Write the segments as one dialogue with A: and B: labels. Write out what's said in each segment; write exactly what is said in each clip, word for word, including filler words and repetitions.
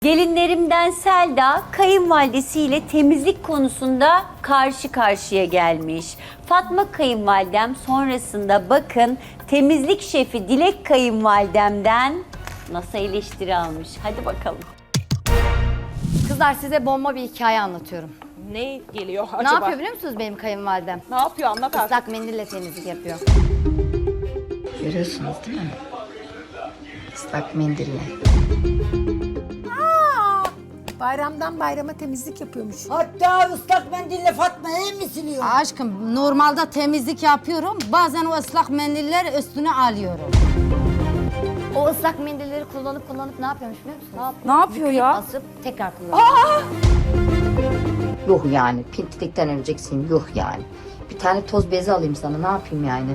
A: Gelinlerimden Selda, kayınvalidesiyle temizlik konusunda karşı karşıya gelmiş. Fatma kayınvalidem sonrasında bakın temizlik şefi Dilek kayınvalidemden nasıl eleştiri almış. Hadi bakalım.
B: Kızlar size bomba bir hikaye anlatıyorum.
C: Ne geliyor acaba?
B: Ne yapıyor biliyor musunuz benim kayınvalidem?
C: Ne yapıyor anlat artık.
B: Islak mendille temizlik yapıyor.
D: Görüyorsunuz değil mi? Islak mendille.
E: Bayramdan bayrama temizlik yapıyormuş.
F: Hatta ıslak mendille Fatma'yı mı siliyor?
G: Aşkım normalde temizlik yapıyorum. Bazen o ıslak mendiller üstüne alıyorum.
B: O ıslak mendilleri kullanıp kullanıp ne yapıyormuş biliyor musun? Ne yapıyor?
G: Ne yapıyor ya?
B: Asıp tekrar kullanıyor.
D: Yuh yani. Pintilikten öleceksin. Yuh yani. Bir tane toz bezi alayım sana. Ne yapayım yani?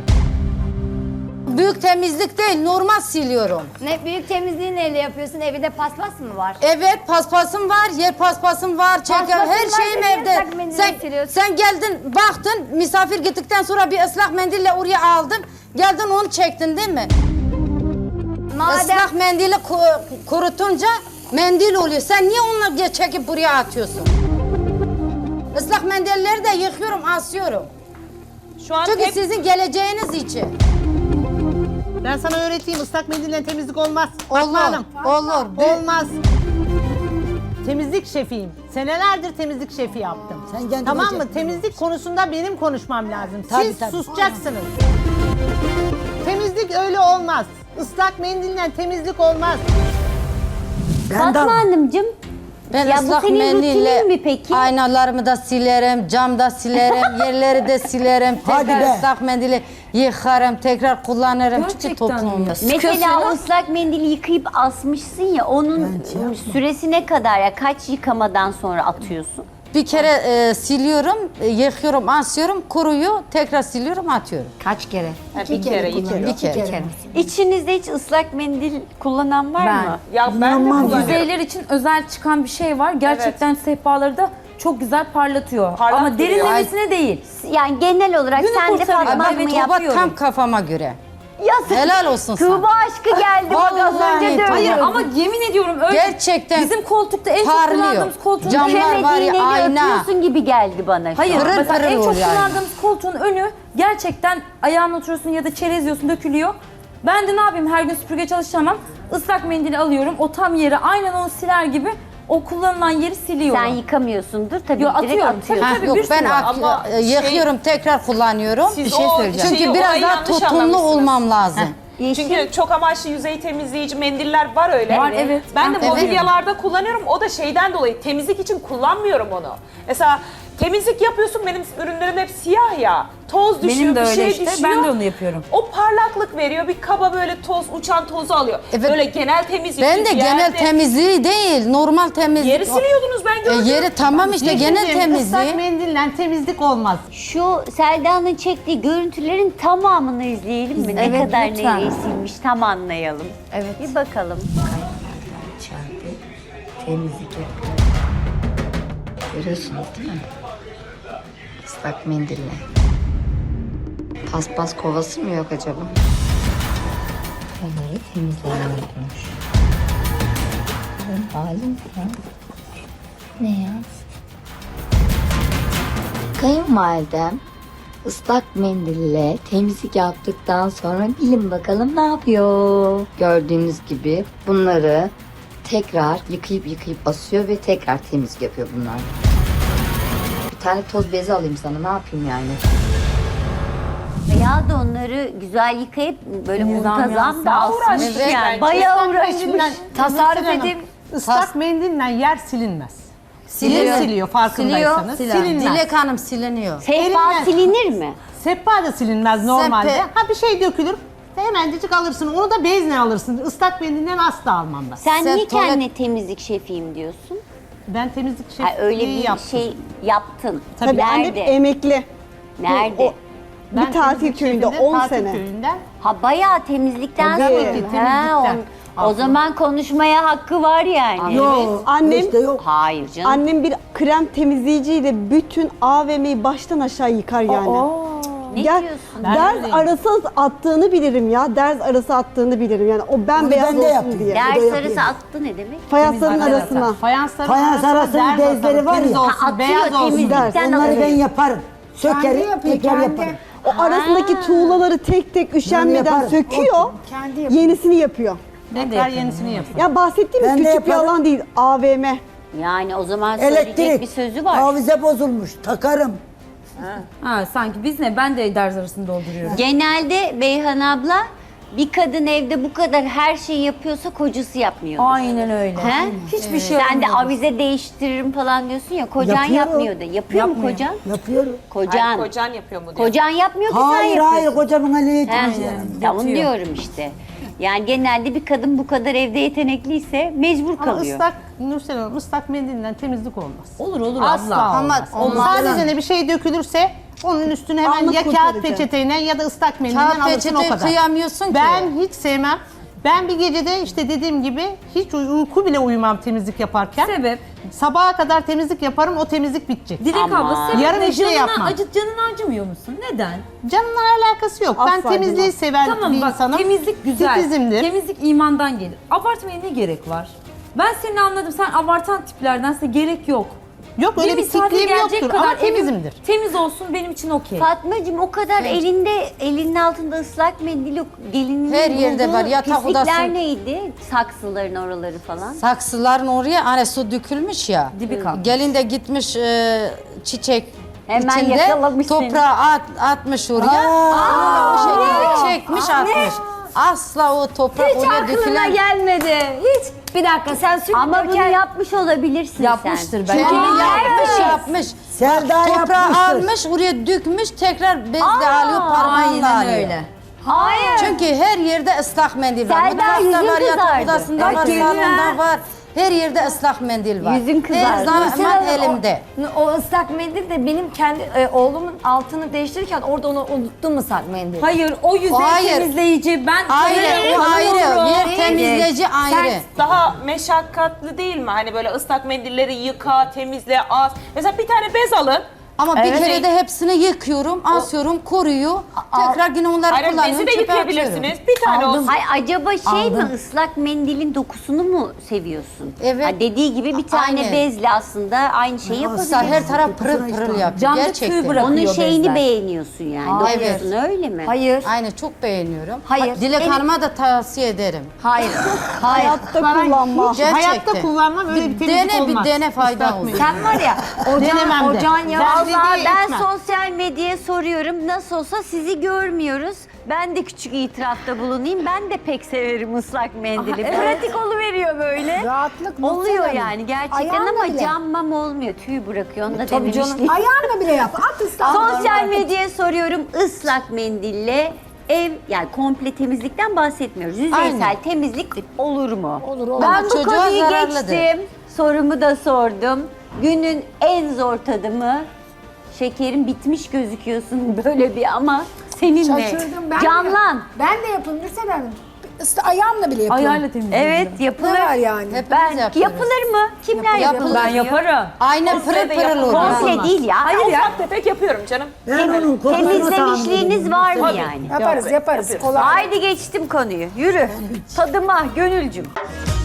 G: Büyük temizlik değil, normal siliyorum.
B: Ne büyük temizliği neyle yapıyorsun? Evinde paspas mı var?
G: Evet, paspasım var, yer paspasım var, çeker,
B: Paspasın
G: her
B: var,
G: şeyim
B: niye
G: evde.
B: ıslak mendille
G: Sen,
B: siliyorsun?
G: sen geldin, baktın, misafir gittikten sonra bir ıslak mendille oraya aldın. Geldin onu çektin değil mi?
B: Madem
G: Islak mendili ku- kurutunca mendil oluyor. Sen niye onları çekip buraya atıyorsun? Islak mendilleri de yıkıyorum, asıyorum.
C: Şu an
G: Çünkü
C: hep
G: sizin geleceğiniz için.
E: Ben sana öğreteyim, ıslak mendille temizlik olmaz.
G: Olur,
E: Fatma Hanım.
G: olur.
E: Olmaz. Temizlik şefiyim. Senelerdir temizlik şefi yaptım.
F: Sen kendine
E: Tamam mı?
F: çek.
E: Temizlik konusunda benim konuşmam lazım.
F: Tabii,
E: Siz
F: tabii.
E: susacaksınız. Temizlik öyle olmaz. Islak mendille temizlik olmaz.
A: Fatma Hanımcığım,
G: Ben
A: ya bu
G: ıslak
A: senin
G: mendille
A: rutinin mi peki?
G: aynalarımı da silerim, cam da silerim, yerleri de silerim.
F: Hadi
G: Tekrar
F: be.
G: ıslak mendili yıkarım, tekrar kullanırım. Çünkü toplumda.
A: Mesela ıslak mendili yıkayıp asmışsın ya, onun süresi ne kadar ya? Kaç yıkamadan sonra atıyorsun?
G: Bir kere e, siliyorum, e, yıkıyorum, asıyorum, kuruyor, tekrar siliyorum, atıyorum.
B: kaç kere?
C: Ha, bir kere yıkıyor.
G: Bir kere.
B: Bir kere.
A: İçinizde hiç ıslak mendil kullanan var
B: Ben.
A: mı?
C: Ya ben de kullanıyorum.
H: Yüzeyler için özel çıkan bir şey var. Gerçekten sehpaları da çok güzel parlatıyor.
C: Parlak
H: Ama
C: duruyor.
H: derinlemesine değil.
A: Yani genel olarak
H: Günü
A: sen de
H: kurtarıyor.
A: Fatma
G: Ben
A: Hanım'ı
G: Tuğba
A: yapıyorum.
G: tam kafama göre.
A: Ya sen-
G: Helal olsun sana.
A: Tuğba aşkı geldi bak az
G: Vallahi
A: önce de
G: Hayır,
H: Hayır
A: öyle.
H: ama yemin ediyorum öyle.
G: Gerçekten
H: Bizim koltukta en çok
G: parlıyor.
H: kullandığımız koltuğun
G: Cam-
H: önü.
G: Camlar var ya,
A: Çemediğini
G: ayna.
A: öpüyorsun gibi geldi bana şu
H: Hayır
A: an.
G: Pırıl
H: mesela
G: pırıl
H: en çok
G: oluyor yani.
H: kullandığımız koltuğun önü gerçekten ayağına oturuyorsun ya da çerez yiyorsun dökülüyor. Ben de ne yapayım her gün süpürge çalışamam. Islak mendili alıyorum o tam yeri aynen onu siler gibi o kullanılan yeri siliyorum.
A: Sen yıkamıyorsundur tabii
H: Yo,
A: direkt
H: atıyorum.
A: atıyorsun.
G: Ha,
H: Tabii,
G: yok
H: bir
G: ben
H: sürü var.
G: ak-
C: Ama
G: e, yıkıyorum, tekrar kullanıyorum.
C: Siz
G: Bir şey
C: o
G: söyleyeceğim.
C: şeyi,
G: Çünkü
C: o
G: biraz
C: olayı
G: daha
C: yanlış
G: tutumlu
C: anlamışsınız.
G: olmam lazım.
A: Yeşil.
C: Çünkü çok amaçlı yüzey temizleyici mendiller var öyle.
H: Var, evet.
C: Ben de
H: Ben
C: mobilyalarda kullanıyorum. O da şeyden dolayı temizlik için kullanmıyorum onu. Mesela temizlik yapıyorsun benim ürünlerim hep siyah ya. Toz düşüyor,
H: Benim de
C: bir
H: öyle
C: şey
H: işte.
C: düşüyor.
H: Ben de onu yapıyorum.
C: O parlaklık veriyor. Bir kaba böyle toz, uçan tozu alıyor.
G: Evet.
C: Böyle genel temizlik.
G: Ben de genel
C: yerde-
G: temizliği değil, normal temizlik.
C: Yeri siliyordunuz ben
G: E,
C: gördüm.
G: yeri tamam işte genel
E: Yeşilciğim,
G: temizliği.
E: Islak mendille temizlik olmaz.
A: Şu Selda'nın çektiği görüntülerin tamamını izleyelim mi? Ne
B: Evet,
A: kadar
B: lütfen.
A: nereye silmiş tam anlayalım.
B: Evet.
A: Bir bakalım.
D: İçeride temizlik yapıyor. Görüyorsunuz değil mi? Islak mendille. Paspas kovası mı yok acaba? Onları temizleniyormuş. Benim halim ya. Ne ya? Kayınvalidem ıslak mendille temizlik yaptıktan sonra bilin bakalım ne yapıyor. Gördüğünüz gibi bunları tekrar yıkayıp yıkayıp basıyor ve tekrar temizlik yapıyor bunlar. Bir tane toz bezi alayım sana, ne yapayım yani?
A: Ya da onları güzel yıkayıp böyle muntazam da
C: Daha
A: asmış
C: uğraşmış
A: yani.
C: bence.
A: Bayağı
E: Islak
A: uğraşmış.
E: mendille-
B: Tasarruf
E: Hanım,
B: edeyim.
E: Islak mendille yer silinmez.
G: Siliyor.
E: Yer siliyor farkındaysanız.
G: Siliyor.
E: Silinmez.
G: Dilek Hanım siliniyor.
A: Sehpa
E: Elinle-
A: silinir mi?
E: Sehpa da silinmez normalde.
G: Sepe-
E: Ha bir şey dökülür. Hemencecik alırsın. Onu da bezle alırsın. Islak mendilden asla almam ben.
A: Sen
G: Sen
A: niye
G: tuvalet-
A: kendine temizlik şefiyim diyorsun?
E: Ben temizlik
A: Ha,
E: şefliği
A: öyle bir
E: yaptım.
A: şey yaptın.
I: Tabii annem
A: Nerede?
I: emekli.
A: Nerede?
I: O-
E: Ben
I: bir tatil
E: temizlik
I: köyünde
E: şefinde,
I: on
E: tatil
I: sene.
E: Köyünde.
A: Ha bayağı temizlikten
I: Tabii
A: sonra.
I: ki,
A: Ha,
E: temizlikten.
A: on- o zaman konuşmaya hakkı var yani.
I: Yok. Annem
F: İşte yok.
A: Hayır canım.
I: annem bir krem temizleyiciyle bütün A V M'yi baştan aşağı yıkar yani.
A: Ne
I: Gel,
A: diyorsun?
I: ders arası attığını bilirim ya. Ders arası attığını bilirim. Yani o bembeyaz
F: ben de
I: olsun
F: yaptım.
I: diye.
F: Der-
A: Ders
F: yapıyor.
A: arası attı ne demek?
I: Fayansların arasına.
E: Fayansların
F: Fayans arasının
E: derz
F: bezleri
E: atalım,
F: var
E: temiz
F: ya.
E: olsun,
A: Ha, atıyor,
E: beyaz olsun.
A: temizlikten
I: ders.
F: Onları
A: alıyor.
F: ben yaparım. Sökerim,
G: yapıyor,
F: tekrar
G: kendi.
F: yaparım.
I: O arasındaki tuğlaları tek tek üşenmeden
F: yaparım.
I: söküyor.
G: Kendi yapıyor.
I: Yenisini yapıyor.
E: Tekrar yenisini yapın.
I: Ya bahsettiğimiz
F: Ben de
I: küçük bir
F: yaparım.
I: alan değil. A V M.
A: Yani o zaman söyleyecek
F: Elektrik,
A: bir sözü var.
F: havize bozulmuş, takarım.
H: Ha, sanki biz ne? Ben de ders arasını dolduruyorum.
A: Genelde Beyhan abla bir kadın evde bu kadar her şeyi yapıyorsa kocası yapmıyor.
H: Aynen öyle.
A: He?
H: Hiçbir şey
A: Sen de
H: olmuyor.
A: avize değiştiririm falan diyorsun ya. Kocan
F: Yapıyorum.
A: yapmıyor da. Yapıyor mu
H: Yapmıyor.
A: kocan?
F: Yapıyorum.
A: Kocan.
C: Hayır, kocan yapıyor mu diyor.
A: Kocan yapmıyor ki sen
F: Hayır
A: yapıyorsun.
F: hayır kocamın eli
A: He,
F: yetmez yani.
A: ya onu
H: Yatıyor.
A: diyorum işte. Yani genelde bir kadın bu kadar evde yetenekliyse mecbur
E: Ama
A: kalıyor.
E: ıslak, Nursel Hanım, ıslak mendille temizlik olmaz.
H: Olur olur
E: Asla
H: abla.
E: olmaz.
G: olmaz.
E: Sadece ne bir şey dökülürse onun üstüne hemen
I: Anlık
E: ya kağıt
I: kurtarıcı.
E: peçeteyle ya da ıslak mendille
G: Kağıt
E: alırsın o
G: peçete
E: kadar.
G: kıyamıyorsun ki.
E: Ben hiç sevmem. Ben bir gecede işte dediğim gibi hiç uy- uyku bile uyumam temizlik yaparken.
H: Sebep?
E: Sabaha kadar temizlik yaparım, o temizlik bitecek.
H: Dilek
A: Ama.
H: abla sebep
E: Yarın
H: ne?
E: bir şey
H: Canına
E: yapmam.
H: acı, canını acımıyor musun? Neden?
E: Canımla alakası yok. ben
I: Asla
E: temizliği
I: bilmem.
E: seven
H: Tamam
E: bir
H: bak
E: insanım.
H: temizlik güzel.
E: Titizimdir.
H: Temizlik imandan gelir. Abartmaya ne gerek var? Ben seni anladım. Sen abartan tiplerdense gerek yok.
E: Yok öyle bir
H: misafir
E: tikliğim
H: gelecek
E: yoktur ama
H: evim
E: temizimdir.
H: Temiz olsun benim için okey.
A: Fatmacığım o kadar elinde elinin altında ıslak mendil yok. Gelinin
G: Her yerde
A: bulduğu
G: var, yatak
A: pislikler
G: odası-
A: neydi? Saksıların oraları falan.
G: Saksıların oraya hani su dökülmüş ya.
H: Dibi kalmış.
G: Gelin de gitmiş e, çiçek
A: Hemen
G: içinde
A: yakalamış seni.
G: toprağı at, atmış oraya. O şekilde çekmiş atmış. Asla o toprak
B: Hiç
G: oraya
B: aklına
G: dökülen
B: gelmedi. Hiç. Bir dakika sen sürekli
A: Ama bunu
B: döken-
A: yapmış olabilirsin
H: Yapmıştır
A: sen.
H: belki.
G: Çünkü yapmış
B: Evet.
G: yapmış.
F: Selda
G: Toprağı
F: yapmıştır.
G: almış oraya dökmüş tekrar bezle alıyor parmağıyla
H: Aynen
G: alıyor.
H: öyle.
A: Hayır.
G: Çünkü her yerde ıslak mendil var.
A: Selda,
G: Mutfakta
A: yüzün
G: var, yatak
A: kızardı.
G: odasında
A: Evet,
G: var,
A: yüzün
G: salonda var. Her yerde ıslak mendil var.
A: Yüzün kızardı.
G: Her zaman
B: Mesela o-
G: elimde.
B: O, ıslak mendil de benim kendi e, oğlumun altını değiştirirken orada onu unuttum ıslak mendil.
H: Hayır o yüzey
G: Hayır.
H: temizleyici. Ben
G: Ayrı, o ayrı. Yer temizleyici ayrı.
C: Daha meşakkatli değil mi? Hani böyle ıslak mendilleri yıka, temizle, as. Mesela bir tane bez alın.
G: Ama bir
C: Evet.
G: kere de hepsini yıkıyorum, asıyorum, koruyor. Tekrar yine onları
C: Hayır,
G: kullanıyorum,
C: bezi de
G: çöpe atıyorum.
C: yıkayabilirsiniz. Bir tane olsun.
A: Hay acaba şey mi
G: Aldım.
A: ıslak mendilin dokusunu mu seviyorsun?
G: Evet.
A: Ha, dediği gibi bir tane
G: Aynen.
A: bezle aslında aynı şeyi
G: Aslında
A: yapabilirsin.
G: her taraf pırıl pırıl yapıyor.
H: Camda tüy
G: Gerçekten.
H: bırak-
A: Onun
H: Yapıyor
A: şeyini
H: bezler.
A: beğeniyorsun yani.
B: Aa,
A: Dokusunu öyle mi?
B: Hayır.
G: Aynen çok beğeniyorum.
B: Hayır.
G: Dilek
B: Benim-
G: Hanım'a da tavsiye ederim.
B: Hayır. Hayır.
I: Hayatta kullanma.
E: Hiç hayatta
G: Gerçekten.
E: kullanmam öyle bir temizlik
G: dene,
E: olmaz.
G: bir dene fayda
E: Islak
G: olur.
E: mendil.
B: Sen var ya
E: Denemem
B: ocağın,
E: de.
B: ocağın ya.
E: Ben-
A: Vallahi
E: dediği
A: ben
E: etmem.
A: sosyal medyaya soruyorum. Nasıl olsa sizi görmüyoruz. Ben de küçük itirafta bulunayım. Ben de pek severim ıslak mendili. Pratik oluveriyor böyle.
F: Rahatlık
A: Oluyor yani gerçekten
F: Ayağınla
A: ama
F: bile.
A: cam mam olmuyor. Tüy bırakıyor. Onu da
B: Tabii canım.
A: denemiştim.
F: Ayağınla bile yap. At ıslak.
A: Sosyal medyaya soruyorum. Islak mendille ev yani komple temizlikten bahsetmiyoruz. Yüzeysel
G: Aynen.
A: temizlik olur mu?
F: Olur olur.
A: Ben
G: Ama
A: bu
G: çocuğa
A: konuyu
G: zararlıdır.
A: geçtim. Sorumu da sordum. Günün en zor tadımı. Şekerim bitmiş gözüküyorsun böyle bir ama seninle.
F: Şaşırdım ben de.
A: Canlan.
F: Ben de yapıyorum Nursel Hanım. Isla, ayağımla bile yapıyorum.
H: ayarla temizliyorum.
A: Evet
F: Ne
A: yapılır.
F: var yani?
G: Hepimiz
A: Ben
G: yapıyoruz.
A: yapılır mı? Kimler
G: Yapılır.
A: yapılır?
H: Ben yaparım.
G: Aynen pırıl
C: sırada
G: pırıl
C: yapılmaz.
G: oluyor.
A: Komple değil ya.
C: Hayır ya. Ufak tefek yapıyorum canım.
F: Ben onun kokusunu
A: Temizlemişliğiniz var mı yani?
F: Yaparız yaparız. Kolay.
A: Haydi geçtim konuyu. Yürü. Tadıma gönülcüm.